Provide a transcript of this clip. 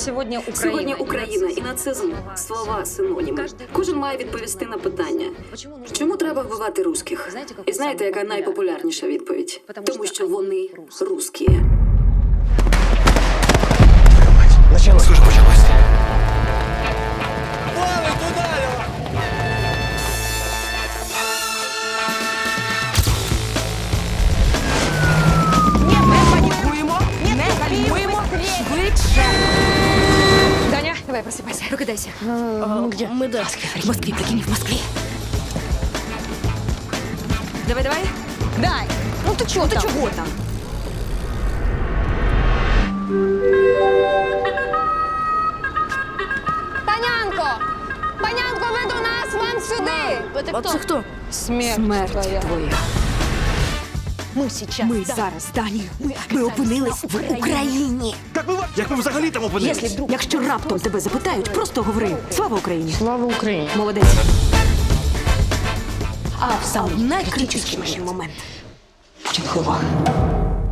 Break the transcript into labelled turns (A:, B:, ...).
A: Сьогодні Україна і нацизм – слова синоніми. Кожен має відповісти на питання. Чому треба вбивати русських? І знаєте, яка найпопулярніша відповідь? Тому що вони русські.
B: Начало уже почалось.
C: Даня, давай, просыпайся. Прокидайся.
D: Где? Мы да.
C: В Москве, прикинь, в Москве. Давай, давай.
D: Дай! Ну ты чего там?
C: Чего там?
D: Панянко! Панянко, ви до нас, вам сюди!
C: А це хто?
D: Смерть
C: Смерть твоя.
D: Ми
C: Зараз, Дані, ми опинились в Україні.
B: Як ви взагалі там опинились?
C: Якщо раптом тебе запитають, просто говори. Слава Україні.
D: Слава Україні!
C: Молодець. А в самий найкритичніший момент. Чим